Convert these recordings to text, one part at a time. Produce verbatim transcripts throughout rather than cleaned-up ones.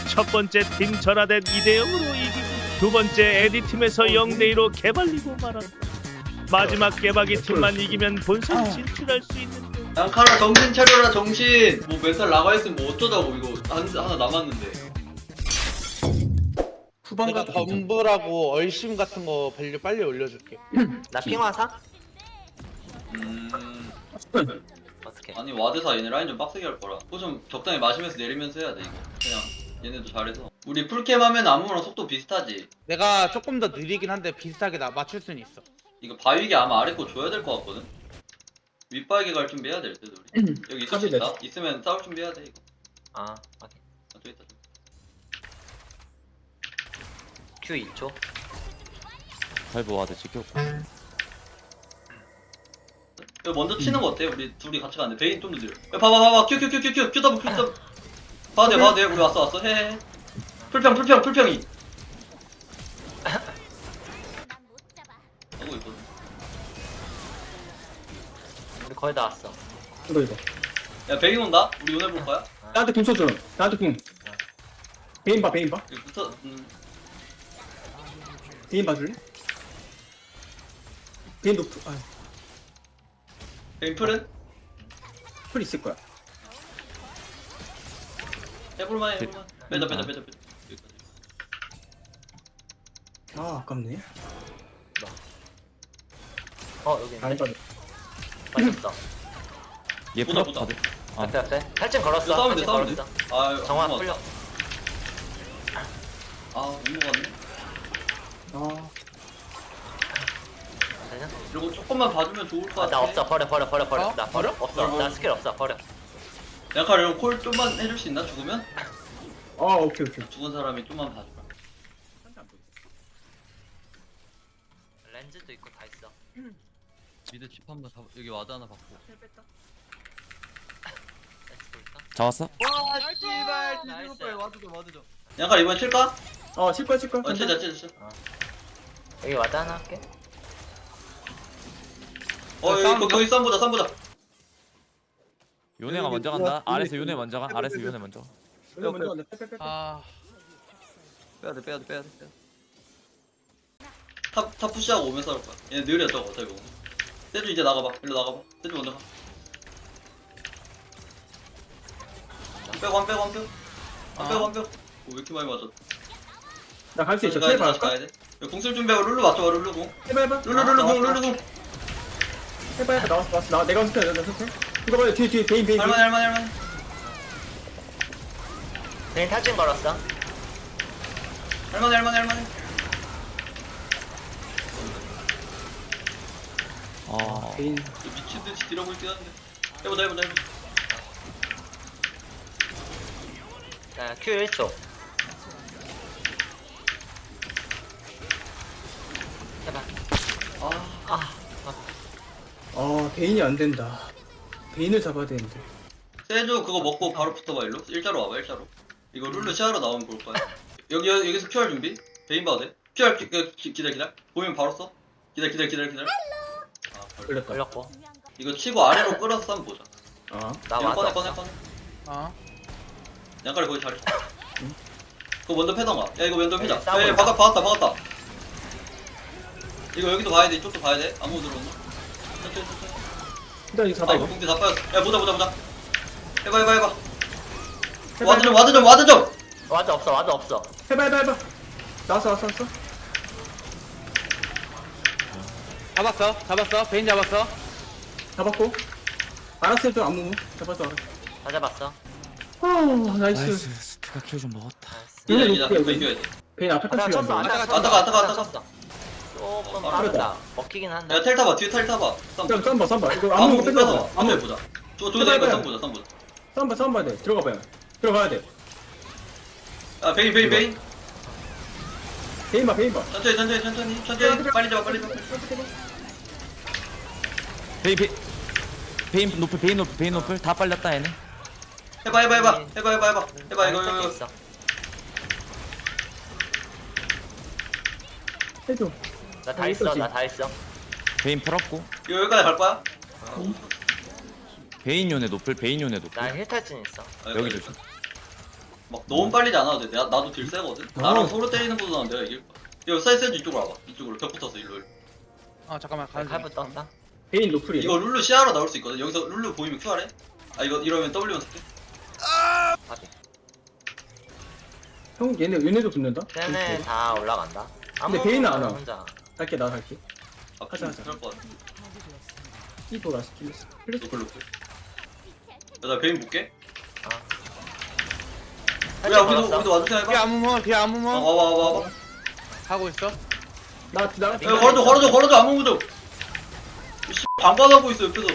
첫 번째 팀 전화된 이 대 영으로 이기고 두 번째 에디팀에서 영 대 이로 개발리고 말았다. 마지막 개박이 팀만 이기면 본선 진출할 수 있는데. 양카라 정신 차려라 정신. 뭐 멘탈 나가 있으면 뭐 어쩌자고. 이거 한, 하나 남았는데. 후반 내가 가도 덤블하고 얼심 같은 거 밸류 빨리 올려줄게. 나 핑화사? 음... 어떻게? 아니 와드사 얘네 라인 좀 빡세게 할 거라. 그거 좀 적당히 마시면서 내리면서 해야 돼 이거. 그냥 얘네도 잘해서. 우리 풀캠 하면 아무거나 속도 비슷하지. 내가 조금 더 느리긴 한데 비슷하게 나 맞출 수는 있어. 이거 바위게 아마 아래 거 줘야 될 것 같거든. 윗바위게 갈 준비해야 될 듯 우리. 여기 있을 수 있다. 있으면 싸울 준비해야 돼 이거. 아, 확인. 아, 저 있다. 저. Q 이 초. 발보 와드 지켰고. 이거 먼저 치는 거 어때? 우리 둘이 같이 가는데 베인 좀 더 느려. 야, 봐봐 봐봐 큐 큐 큐 큐 큐 큐 더블 큐 더블. 봐도 돼 봐도 돼. 우리 왔어 왔어 해해. 풀평 풀평 풀평이. 하고 있거든. 우리 거의 다 왔어. 이거 이거 야 베인 온다. 우리 요네 볼 거야? 나한테 궁 쳐줘. 나한테 궁 베인 봐 베인 봐 여기 붙어. 음. 베인 봐줄래? 베인 노프 아, 베인 풀은 풀 있을 거야. 해볼만 해. 해볼만. 빼자 빼자 빼자 빼자. 여기까지. 아 아깝네. 어, 여기 안 있네. 봐도 맞았어. 얘 보다, 풀업 보다. 다들. 아, 앞에 앞에. 탈진 걸었어. 이거 싸우면 돼 탈진 싸우면 돼. 걸었어. 아 정화 안 풀려. 맞았다. 아 온거 같네. 아 되냐? 이거 조금만 봐주면 좋을 것 아, 같아. 나 없어. 버려 버려 버려 버려. 어? 나 버려? 없어. 버려? 나 스킬 없어. 버려. 약간 이런 콜 좀만 해줄 수 있나? 죽으면? 아 오케이 오케이. 죽은 사람이 좀만 봐주라. 렌즈도 있고 다 있어. 미드 칩 한번 잡. 여기 와드 하나 받고. 렌즈 볼까? 잡았어? 와 씨발, 나이스. 와드 좀 와드 좀. 약간 이번 칠까? 어 칠 거야 칠 거야. 어 칠자 칠자 칠. 여기 와드 하나 할게. 어 여기 싸움 거- 거기 쌈 보자 쌈 보자. 요네가 먼저 간다. 아래서 요네 먼저 가. 아래서 요네 먼저. 먼저 먼저 먼저 빼빼빼. 아 빼야돼 빼야돼 빼야돼 빼야돼. 탑, 탑 푸시하고 오면 싸울 거야. 얘 느려 저거 어차피 오면. 세주 이제 나가봐. 일로 나가봐. 세주 먼저 가. 안 빼고 안 빼고 안 빼고. 안 빼고 안 빼고. 오, 왜 이렇게 많이 맞았? 나갈 수 있어. 가야 돼, 테이블 다시 할까? 가야 돼. 야, 공쓸 준비하고 룰루 맞춰봐 룰루 공. 해봐 해봐. 룰루 룰루 공 룰루 공. 해봐 해봐. 나왔어 나왔어. 나 내가 선택 내가 선택. 이거 봐요 뒤에 뒤에 베인 베인. 할만해 할만해 할만해. 베인 탈진 걸었어. 할만해 할만해 할만해. 아, 베인. 저 미친듯이 딜하고 있긴 한데. 해보자 해보자 해보자. 자, Q 일 초. 해봐. 아 아, 아 베인이 안 된다. 베인을 잡아야 되는데. 세주 그거 먹고 바로 붙어봐 일로. 일자로 와봐 일자로. 이거 룰루 시야로 나오면 볼 거야. 여기 여기서 큐알 준비. 베인 봐도 돼. 큐알 기, 기, 기다려 기다려. 보면 바로 써. 기다려 기다려 기다려 기다려. 아 걸려. 걸렸다. 걸렸고. 이거 치고 아래로 끌어서 한번 보자. 아 나 이거 와드 꺼내 없어. 꺼내 꺼내. 어. 양가리 거기 잘했어. 그거 먼저 패던가. 야 이거 먼저 패자. 네, 싸우고 야, 야 있다. 박았다 박았다 박았다. 이거 여기도 봐야 돼. 이쪽도 봐야 돼. 아무 들어온다. 천천히 천천히. 일단 이거 잡아 아 이거. 공기 다 빠졌어. 야 보자 보자 보자. 해봐 해봐 해봐. 해봐, 와드 좀 해봐. 와드 좀 와드 좀. 와드 없어. 와드 없어. 해봐 해봐 해봐. 나왔어 나왔어 나왔어. 잡았어 잡았어 베인 잡았어. 잡았고. 알았어 해줘 아무. 잡았어 알았어. 다 잡았어. 아 나이스. 나이스. 스티가 킬 좀 먹었다. 나이스. 기다려 여기 기다려. 높게, 이거 여기. 이겨야 돼. 베인 앞에 아, 까지 쳤어. 갔네. 아까 아따가, 아따가, 아따가. 쳤어. 조금 어, 빠르다. 먹히긴 한다. 야 텔 타봐. 뒤에 텔 타봐. 쌈 쌈 쌈봐 쌈봐. 이거 아무 아무 못 뺏어. 뺏어. 아무 한번 보자. 저 저기다 이거 쌈 보자 쌈 보자. 쌈봐 쌈봐 돼. 들어가 봐요. 들어가야 돼. 야 베인 베인 베인. 베인 봐 베인 봐. 천천히 천천히 천천히 천천히. 빨리 잡아 빨리 잡아. 베인 베인 베인 노플 베인 노플 베인 노플 다 빨렸다 얘네. 해봐 해봐 해봐. 해봐 해봐 해봐. 해봐 아, 이거 할 이거. 있어. 해줘. 나 다 어, 있어. 이거지. 나 다 있어. 베인 풀었고. 이거 여기까지 갈 거야? 베인 요네 노플 베인 요네 노플. 나 힐탈진 있어. 아, 여기 여기까지. 조심. 막 너무 빨리지 않아도 돼. 나, 나도 딜 세거든. 나랑 어. 서로 서로 때리는 보다는 내가 이길 거야. 이거 사이드 세즈 이쪽으로 와봐. 이쪽으로 벽 붙었어 일로. 일로. 어 잠깐만 가는 중. 칼부 떴다. 베인 노플이. 이거 룰루 시야로 나올 수 있거든. 여기서 룰루 보이면 큐알해. 아 이거 이러면 W만 쓸게. 바비. 형 얘네 얘네도 붙는다. 쟤네 다 올라간다. 근데 베인은 안 와. 혼자. 갈게 나 갈게. 아 하자, 하자 하자. 하자. 것 같아. 이 보라 스킬스. 플래시. 노플 노플. 야나 베인 볼게. 어. 야 우리도 우리도 와주세요 뒤에 해봐. 아무모 뒤에 아무모 어 와봐 와봐 와봐. 하고 있어. 나 나. 야 걸어줘 걸어줘 걸어줘 아무 도 씨 방관하고 있어 옆에서.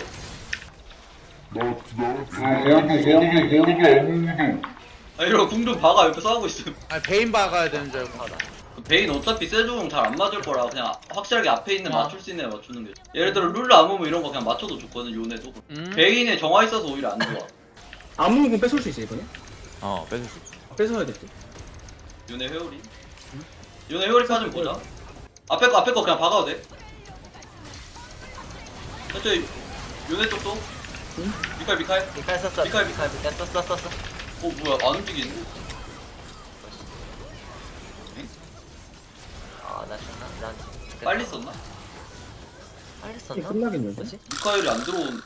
아 이러고 궁좀 박아 옆에서 하고 있어. 아 베인 박아야 되는 줄 알고. 하다. 베인 어차피 세종 잘 안 맞을 거라 그냥 확실하게 앞에 있는 어. 맞출 수 있는 애 맞추는 게. 예를 들어 룰루 아무무 이런 거 그냥 맞춰도 좋거든 요네도. 음. 베인에 정화 있어서 오히려 안 좋아. 아무공 뺏을 수 있어 이번에. 어 뺏을 수 있어. 뺏어야 돼. 또. 요네 회오리. 요네 회오리까지 보자. 앞에 거 앞에 거 그냥 박아도 돼. 천천히 요네 쪽도. 응? 미칼 미칼. 미칼 썼어. 미칼, 미칼 미칼 썼어 썼어. 어 뭐야 안 움직이네. 아나 죽나? 난 죽겠다. 빨리 썼나? 빨리 이게 썼나? 끝나겠는데. 뭐지? 미카엘이 안 들어온.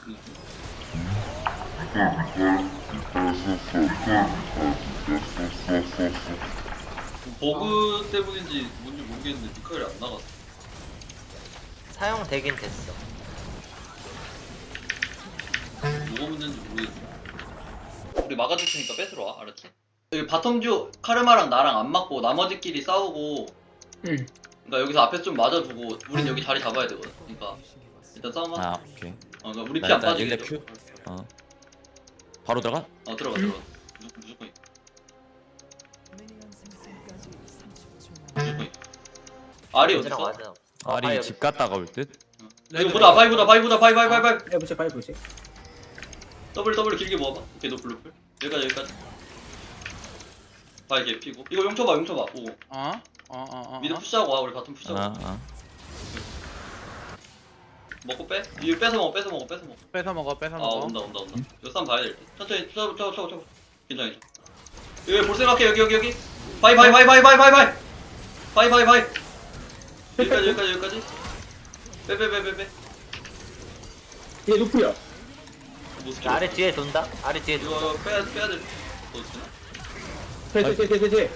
버그 때문인지 뭔지 모르겠는데 미카엘이 안 나갔어. 사용되긴 됐어. 뭐가 문제인지 모르겠어. 우리 막아줄 테니까 뺏으러 와, 알았지? 여기 바텀듀 카르마랑 나랑 안 맞고 나머지끼리 싸우고. 응. 그러니까 여기서 앞에 좀 맞아주고 우린 여기 자리 잡아야 되거든. 그러니까 일단 싸움하. 아 오케이. 어, 그러니까 우리 나 피 안 일단 빠지게. 일렙 큐. 어. 바로 들어가? 어 들어가 들어가. 무조건 무조건. 있- 무조건. 있- 알이 어디 렌즈랑 있어? 와드 없어. 어, 아리 바이 집 갔다가 올 듯. 이거 보다 바이보다 바이보다 바이 바이 바이 바이. 해 보자 빨리 보자. 더블 더블 길게 모아봐. 오케이 노플 노플. 여기까지 여기까지. 바이 개피고. 이거 용 쳐봐 용 쳐봐. 오고. 어? 어, 어, 어. 미드 어. 푸시하고 와 우리 바텀 푸시하고. 아 아. 먹고 빼. 이거 뺏어 먹어 뺏어 먹어 뺏어 먹어. 뺏어 먹어, 뺏어 아 먹어. 온다 온다 온다. 이거 싸움 봐야 될 듯. 천천히 쳐봐 쳐봐 쳐봐 쳐봐. 괜찮아 괜찮아. 여기 볼 생각해 여기 여기 여기. 바이 바이 바이 바이 바이 바이 바이. 바이 바이 바이. 여기까지 여기까지 여기까지. 빼 빼 빼 빼 빼. 얘 노플이야. 못 자, 줘. 아래 뒤에 돈다. 아래 뒤에 돈다. 이거 빼야 빼야 될. 뭐 어떻나? 돼돼돼돼돼.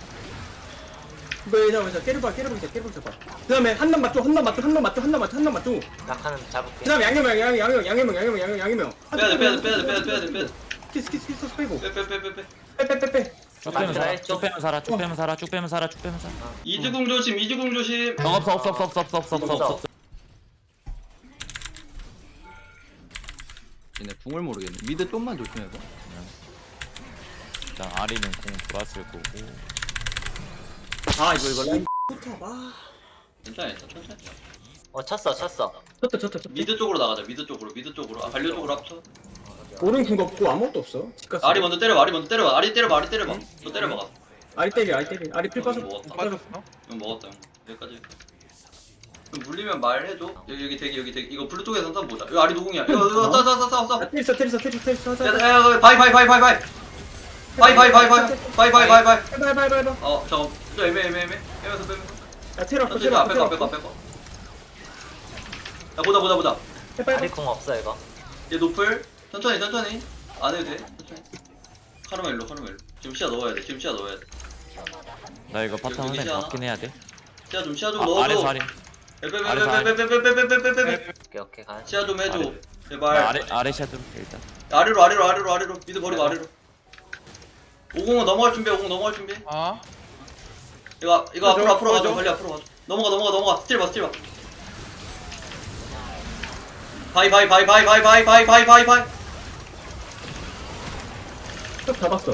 이거 얘자 얘자 깨르봐 깨르봐 이제 깨르봐 잡아. 그다음에 한남 맞죠 한남 맞죠 한남 맞죠 한남 맞죠 한남 맞죠. 낙하는 잡을게. 그다음에 양념형 양념 양념 양념형 양념형 양념 양념형. 빼야 돼 빼야 돼 빼야 돼 빼야 돼 빼야 돼 빼야 돼. 키스 키스 키스 빼고. 빼 빼 빼 빼 빼. 빼빼빼빼. 쭉 빼면 맞다, 살아. 했죠. 쭉 빼면 살아. 쭉 빼면 살아. 쭉 빼면 살아. 쭉 빼면 살아. 이즈궁 조심 이즈궁 조심. 어, 없어 없어 없어 없어 없어 없어 없어 없어. 없어. 얘네 궁을 모르겠네. 미드 좀만 조심해봐. 일단 아리는 공 돌았을 거고. 아 이거 이거 라인. 포탑 아. 괜찮아 괜찮아 천천히. 어 쳤어 쳤어. 쳤다 쳤다 쳤다. 미드 쪽으로 나가자 미드 쪽으로 미드 쪽으로. 아 반려 쪽으로 합쳐. 오른 궁 없고 아무것도 없어. 집 갔어. 아리 먼저 때려봐 아리 먼저 때려봐 아리 때려봐 아리 때려봐. 너 때려봐 가. 아리 때리 아리 때리 아리 필 빠져. 먹었다. 빠졌어? 이건 먹었다 형. 여기까지. 그럼 물리면 말해줘. 여기 여기 대기 여기 대기. 이거 블루 쪽에서 한번 보자. 여기 아리 노공이야. 이거 이거 싸 싸 싸 싸 싸. 아 테리스 테리스 테리스 테리스 하자. 야야 바이 바이 바이 바이 바이. 바이 바이 바이 바이 바이 바이 바이 바이. 바이 바이 바이 바이. 어 잠깐 좀 애매 애매 애매. 빼면서 빼면서. 야 테러 앞에 천천히 테러 앞에 앞에 거 앞에 거 앞에 거. 야 보자 보자 보자. 아래 공 없어 이거. 얘 노플. 천천히 천천히. 안 해도 돼. 천천히. 카르마 일로 카르마 일로. 지금 시야 넣어야 돼. 지금 시야 넣어야 돼. 나 이거 여기 파트 한대 시야. 맞긴 해야 돼. 시야 좀 시야 좀 아, 넣어줘. 아래서 아리. 빼빼빼빼빼빼빼빼빼빼빼. 오케이 오케이 가. 시야 좀 해줘. 아래. 제발. 나 아래 아래 샤드 일단. 아래로 아래로 아래로 아래로. 미드 버리고 아래로. 오공은 넘어갈 준비. 오공 넘어갈 준비. 어? 이거 이거 앞으로 그죠? 앞으로 가자. 그죠? 빨리 앞으로 가자. 넘어가 넘어가 넘어가. 스틸 봐 스틸 봐. 바이 바이 바이 바이 바이 바이 바이 바이 바이 바이. 쭉 잡았어.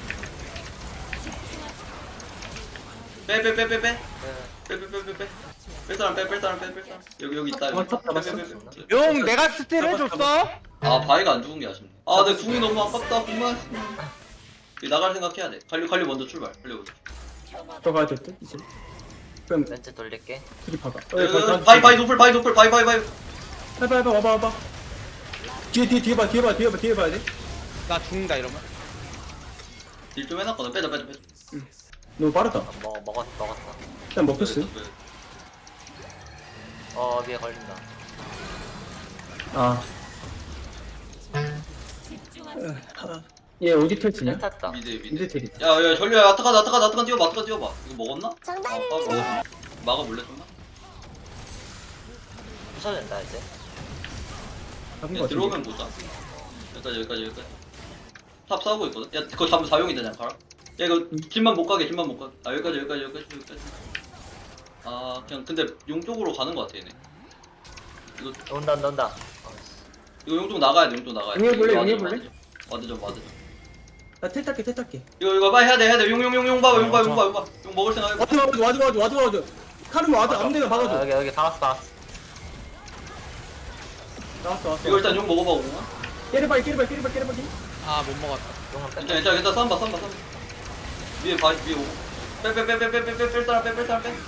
빼빼빼빼빼. 네. 빼빼빼빼빼. 뺄 사람 빼뺄 사람 빼뺄 사람. 여기 여기 있다. 어, 탑 잡았어. 빼, 빼, 빼, 빼. 용 내가 스틸 해줬어? 아 바위가 안 죽은 게 아쉽네. 아 내 궁이 너무 아깝다. 궁만. 이 나갈 생각해야 돼. 관리 관리 먼저 출발. 관리 먼저. 들어가야 될 듯, 이제. 그럼 렌즈 돌릴게. 둘이 박아. 어, 바이 바이 노플 바이 노플 바이 바이 바이. 해봐, 해봐, 와봐, 와봐. 뒤에, 뒤에, 뒤에 봐, 뒤에 봐, 뒤에 봐, 뒤에 봐야 돼. 나 죽는다 이러면. 딜 좀 해놨거든. 빼자 빼자 빼자. 너무 빠르다. 아, 먹 먹었 먹었어. 일단 먹혔어. 어 위에 걸린다. 아. 얘 어디 텔트냐? 텔 탔다. 미드 미드. 미드 텔이. 야야 전류야 아타카다 아타카다 아타카 뛰어봐 아타카 뛰어봐. 이거 먹었나? 정답입니다. 아, 먹었어. 막아볼래 좀만? 부서진다 이제. 잡은 야, 거 들어오면 같은데. 보자. 여기까지 여기까지 여기까지. 탑 싸우고 있거든. 야 그거 잡으면 사용이 되냐 가라. 야 이거 길만 못 가게 길만 못 가게. 아 여기까지 여기까지 여기까지 여기까지. 아 그냥 근데 용 쪽으로 가는 거 같아 얘네. 이거 온다 온다 온다. 어, 이거 용 쪽 나가야 돼 용 쪽 나가야 돼. 용 해볼래, 이거 용 와드 해볼래? 좀, 와드 좀 와드 좀. 나텔 탈게 텔 탈게. 이거 이거 빨리 해야 돼 해야 돼. 용 용 용 용 봐봐 용 봐봐 용 봐봐 용 봐봐. 용 먹을 생각해. 와드 와드 와드 와드 와드 와드. 카르마 와드 아무 데나 아, 박아줘. 여기 여기 박았어 박았어. 나왔어 왔어. 이거 일단 용 먹어봐 옹아. 깨르바이 깨르바이 깨르바이 깨르바이. 아 못 먹었다. 용은 뺐다. 괜찮아 괜찮아 괜찮아 쌈봐 쌈봐 쌈봐. 위에 봐 위에 오고. 빼빼빼빼빼빼뺄 사람 빼뺄 사람 빼.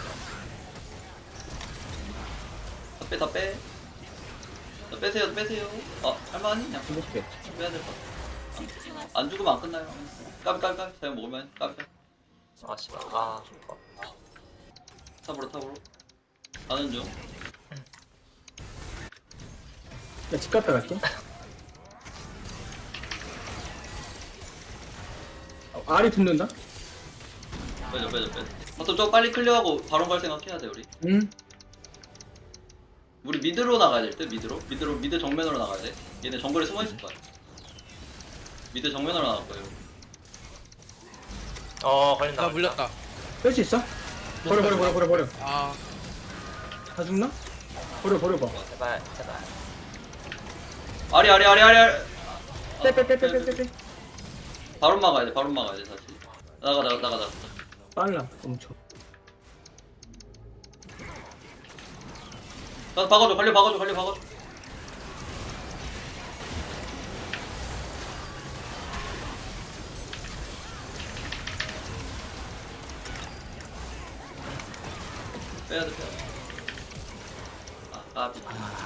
다 빼, 다 빼. 다 빼세요, 빼세요. 아, 할만하니? 그냥 행복해. 빼야 될 것 같아. 안, 안 죽으면 안 끝나요. 까비, 까비, 까비. 사용 먹으면 까비. 아 씨발. 아. 어. 탑으로, 탑으로. 가는 중. 나집 갔다 갈게. 어, 알이 붙는다? 빼자, 빼자, 빼자. 바텀 좀 빨리 클리어하고 바로 갈 생각해야 돼, 우리. 응. 우리 미드로 나가야 될 때, 미드로. 미드로, 미드 정면으로 나가야 돼. 얘네 정글에 숨어 있을 거야. 미드 정면으로 나갈 거예요. 어 걸린다. 나 걸린다. 물렸다. 뺄 수 있어? 버려 버려 버려 버려 버려. 아 다 죽나? 버려 버려 봐. 제발 제발. 아리, 아리, 아리, 아리, 아리. 빼 빼 빼 빼 빼 빼. 바로 막아야 돼, 바로 막아야 돼, 다시. 나가, 나가, 나가, 나가. 빨라 엄청. 나 박아줘, 관리 박아줘, 관리 박아줘. 빼야 돼, 빼야 돼. 아, 까비.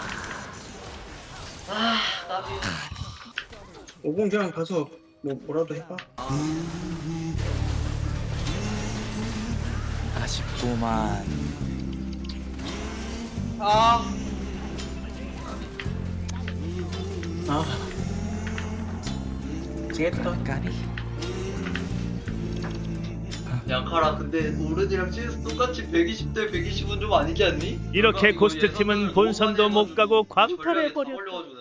아, 까비. 오공 그냥 가서 뭐 뭐라도 해봐. 아쉽구만. 아. 아. 지겠다. 까비. 야, 카라, 근데 오른이랑 씨에스 똑같이 백이십 대 백이십은 좀 아니지 않니? 이렇게 이거 고스트 예전에는 팀은 본선도 못 가고 전략이 다 광탈해버렸다. 걸려가지고